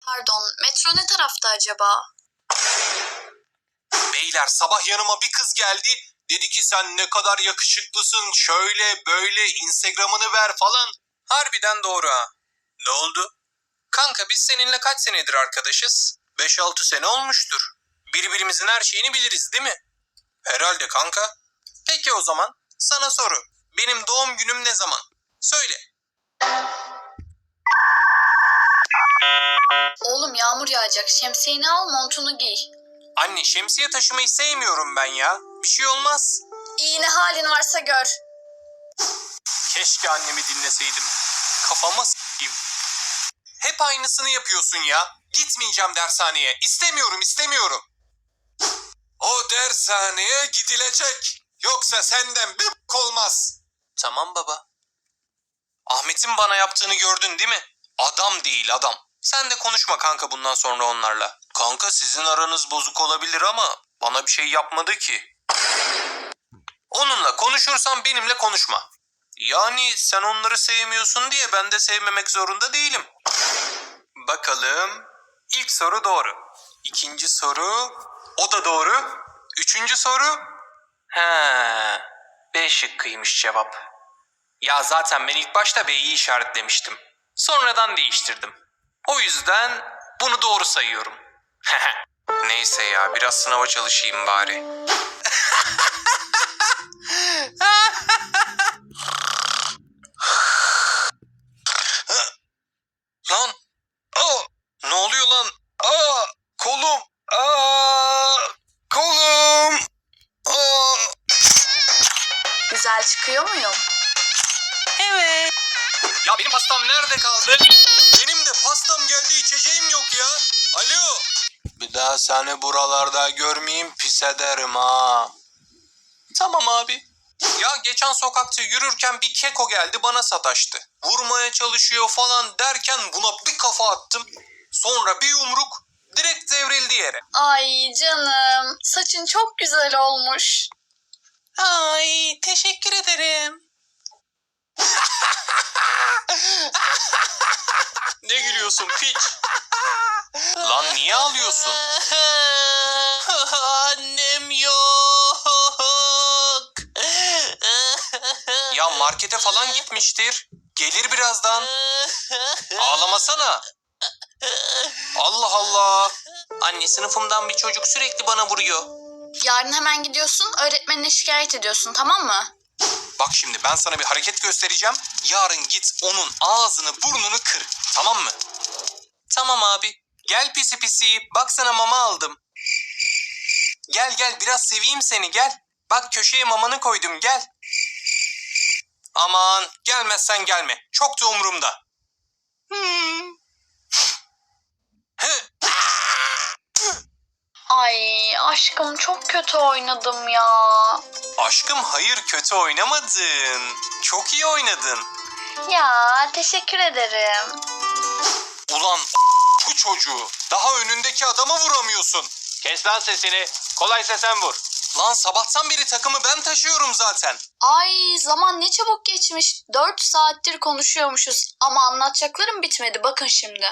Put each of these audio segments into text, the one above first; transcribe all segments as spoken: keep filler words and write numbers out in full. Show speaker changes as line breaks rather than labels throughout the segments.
Pardon, metro ne tarafta acaba?
Beyler sabah yanıma bir kız geldi. Dedi ki sen ne kadar yakışıklısın, şöyle böyle Instagram'ını ver falan. Harbiden doğru ha. Ne oldu? Kanka biz seninle kaç senedir arkadaşız? beş altı sene olmuştur. Birbirimizin her şeyini biliriz değil mi? Herhalde kanka. Peki o zaman sana soru. Benim doğum günüm ne zaman? Söyle.
Oğlum yağmur yağacak. Şemsiyeni al, montunu giy.
Anne şemsiye taşımayı sevmiyorum ben ya. Bir şey olmaz.
İyi ne halin varsa gör.
Keşke annemi dinleseydim. Kafama s**eyim. Hep aynısını yapıyorsun ya. Gitmeyeceğim dershaneye. İstemiyorum, istemiyorum. O dershaneye gidilecek. Yoksa senden bir b**k olmaz. Tamam baba. Ahmet'in bana yaptığını gördün değil mi? Adam değil adam. Sen de konuşma kanka bundan sonra onlarla. Kanka sizin aranız bozuk olabilir ama bana bir şey yapmadı ki. Onunla konuşursan benimle konuşma. Yani sen onları sevmiyorsun diye ben de sevmemek zorunda değilim. Bakalım. İlk soru doğru. İkinci soru. O da doğru. Üçüncü soru. He. B şıkkıymış cevap. Ya zaten ben ilk başta B'yi işaretlemiştim. Sonradan değiştirdim. O yüzden bunu doğru sayıyorum. Neyse ya biraz sınava çalışayım bari. Lan. Aa, ne oluyor lan? Aa, kolum. Aa, kolum. Aa.
Güzel çıkıyor muyum?
Evet. Ya benim pastam nerede kaldı? Benim de pastam geldi, içeceğim yok ya. Alo. Bir daha seni buralarda görmeyeyim, pis ederim ha. Tamam abi. Ya geçen sokakta yürürken bir keko geldi bana sataştı. Vurmaya çalışıyor falan derken buna bir kafa attım. Sonra bir yumruk direkt devrildi yere.
Ay canım, saçın çok güzel olmuş.
Ay teşekkür ederim. Ne gülüyorsun piç? Lan niye ağlıyorsun? Annem yok. Ya markete falan gitmiştir. Gelir birazdan. Ağlamasana. Allah Allah. Anne sınıfımdan bir çocuk sürekli bana vuruyor.
Yarın hemen gidiyorsun, öğretmenine şikayet ediyorsun, tamam mı?
Bak şimdi ben sana bir hareket göstereceğim. Yarın git onun ağzını burnunu kır. Tamam mı? Tamam abi. Gel pisi pisi. Bak sana mama aldım. Gel gel biraz seveyim seni gel. Bak köşeye mamanı koydum gel. Aman gelmezsen gelme. Çok da umurumda. Hmm.
Ay aşkım çok kötü oynadım ya.
Aşkım hayır kötü oynamadın. Çok iyi oynadın.
Ya teşekkür ederim.
Ulan bu çocuğu. Daha önündeki adama vuramıyorsun. Kes lan sesini. Kolaysa sen vur. Lan sabahtan beri takımı ben taşıyorum zaten.
Ay zaman ne çabuk geçmiş. Dört saattir konuşuyormuşuz ama anlatacaklarım bitmedi bakın şimdi.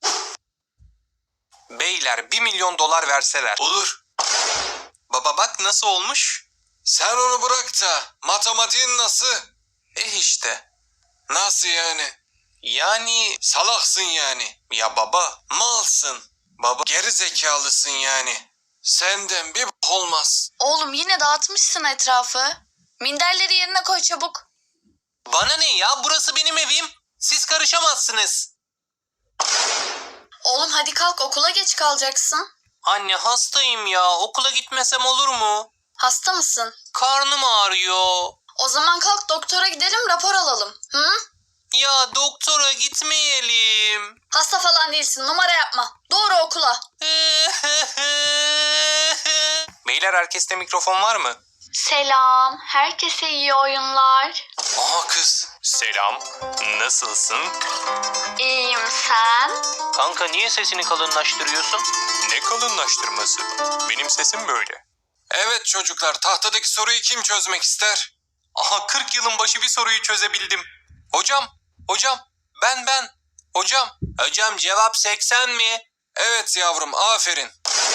Beyler bir milyon dolar verseler. Olur. Baba bak nasıl olmuş? Sen onu bırak da matematiğin nasıl? Eh işte. Nasıl yani? Yani salaksın yani. Ya baba malsın. Baba geri zekalısın yani. Senden bir b- olmaz.
Oğlum yine dağıtmışsın etrafı. Minderleri yerine koy çabuk.
Bana ne ya burası benim evim. Siz karışamazsınız.
Oğlum hadi kalk okula geç kalacaksın.
Anne hastayım ya okula gitmesem olur mu?
Hasta mısın?
Karnım ağrıyor.
O zaman kalk doktora gidelim rapor alalım. Hı?
Ya doktora gitmeyelim.
Hasta falan değilsin numara yapma. Doğru okula.
Beyler herkeste mikrofon var mı?
Selam. Herkese iyi oyunlar.
Aha kız. Selam. Nasılsın?
İyiyim sen?
Kanka niye sesini kalınlaştırıyorsun? Ne kalınlaştırması? Benim sesim böyle. Evet çocuklar tahtadaki soruyu kim çözmek ister? Aha kırk yılın başı bir soruyu çözebildim. Hocam, hocam ben ben. Hocam, hocam cevap seksen mi? Evet yavrum, aferin.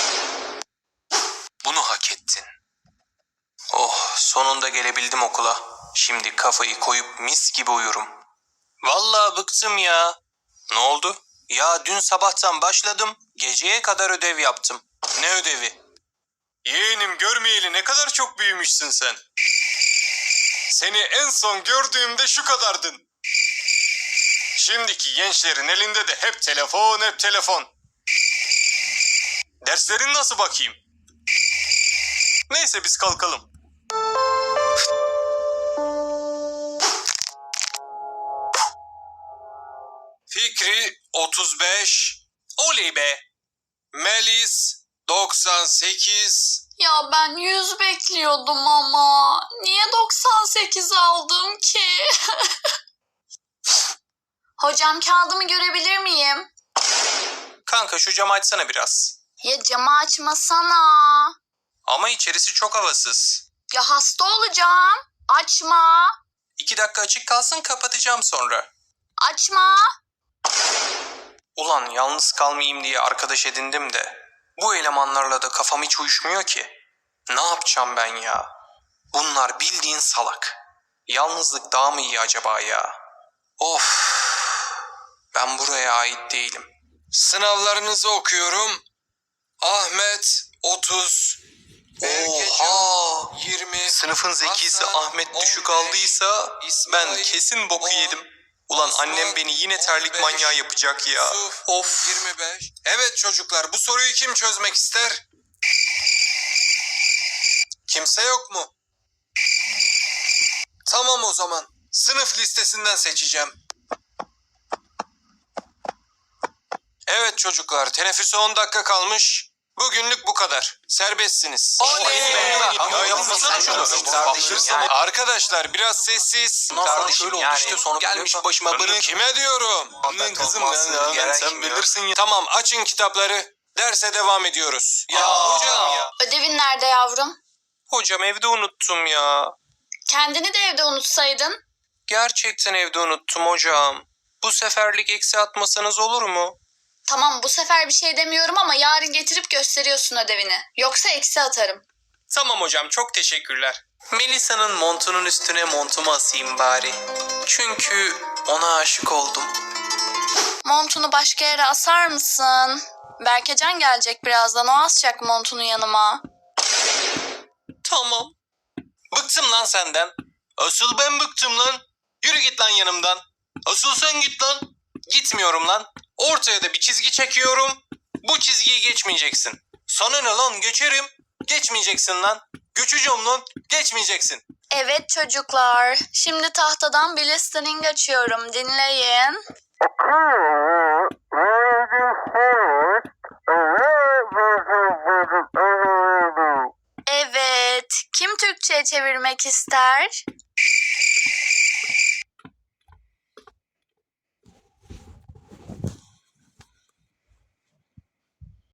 Bunu hak ettin. Oh, sonunda gelebildim okula. Şimdi kafayı koyup mis gibi uyurum. Vallahi bıktım ya. Ne oldu? Ya dün sabahtan başladım, geceye kadar ödev yaptım. Ne ödevi? Yeğenim, görmeyeli ne kadar çok büyümüşsün sen. Seni en son gördüğümde şu kadardın. Şimdiki gençlerin elinde de hep telefon, hep telefon. Derslerin nasıl bakayım? Neyse biz kalkalım. Fikri otuz beş. Oley be. Melis doksan sekiz.
Ya ben yüz bekliyordum ama. Niye doksan sekiz aldım ki? Hocam kağıdımı görebilir miyim?
Kanka şu camı açsana biraz.
Ya camı açmasana.
Ama içerisi çok havasız.
Ya hasta olacağım. Açma.
İki dakika açık kalsın, kapatacağım sonra.
Açma.
Ulan yalnız kalmayayım diye arkadaş edindim de bu elemanlarla da kafam hiç uyuşmuyor ki. Ne yapacağım ben ya? Bunlar bildiğin salak. Yalnızlık daha mı iyi acaba ya? Of. Ben buraya ait değilim. Sınavlarınızı okuyorum. Ahmet otuz. Oha. yirmi. Sınıfın zekisi
Hasan,
Ahmet düşük
on beş,
aldıysa
İsmail,
ben kesin boku
on,
yedim. Ulan
Osman,
annem beni yine terlik
on beş,
manyağı yapacak ya.
Yusuf,
Of.
yirmi beş. Evet çocuklar, bu soruyu kim çözmek ister? Kimse yok mu? Tamam o zaman. Sınıf listesinden seçeceğim. Evet çocuklar, teneffüse on dakika kalmış. Bugünlük bu kadar. Serbestsiniz.
Oley be!
Ya yapmasana şunu.
Kardeşim yani.
Arkadaşlar biraz sessiz.
Kardeşim yani. Gelmiş başıma bunu.
Kime diyorum?
Annen kızım
Olmazsın,
ya,
gelen
sen
kim ya?
bilirsin ya.
Tamam, açın kitapları. Derse devam ediyoruz.
Ya hocam ya.
Ödevin nerede yavrum?
Hocam evde unuttum ya.
Kendini de evde unutsaydın.
Gerçekten evde unuttum hocam. Bu seferlik eksi atmasanız olur mu?
Tamam bu sefer bir şey demiyorum ama yarın getirip gösteriyorsun ödevini. Yoksa eksi atarım.
Tamam hocam, çok teşekkürler. Melisa'nın montunun üstüne montumu asayım bari. Çünkü ona aşık oldum.
Montunu başka yere asar mısın? Berkecan gelecek birazdan, o asacak montunu yanıma.
Tamam. Bıktım lan senden. Asıl ben bıktım lan. Yürü git lan yanımdan. Asıl sen git lan. Gitmiyorum lan. Ortaya da bir çizgi çekiyorum. Bu çizgiyi geçmeyeceksin. Sana ne lan, geçerim. Geçmeyeceksin lan. Göçeceğim lan. Geçmeyeceksin.
Evet çocuklar, şimdi tahtadan bir listening açıyorum, dinleyin. Evet, kim Türkçe'ye çevirmek ister?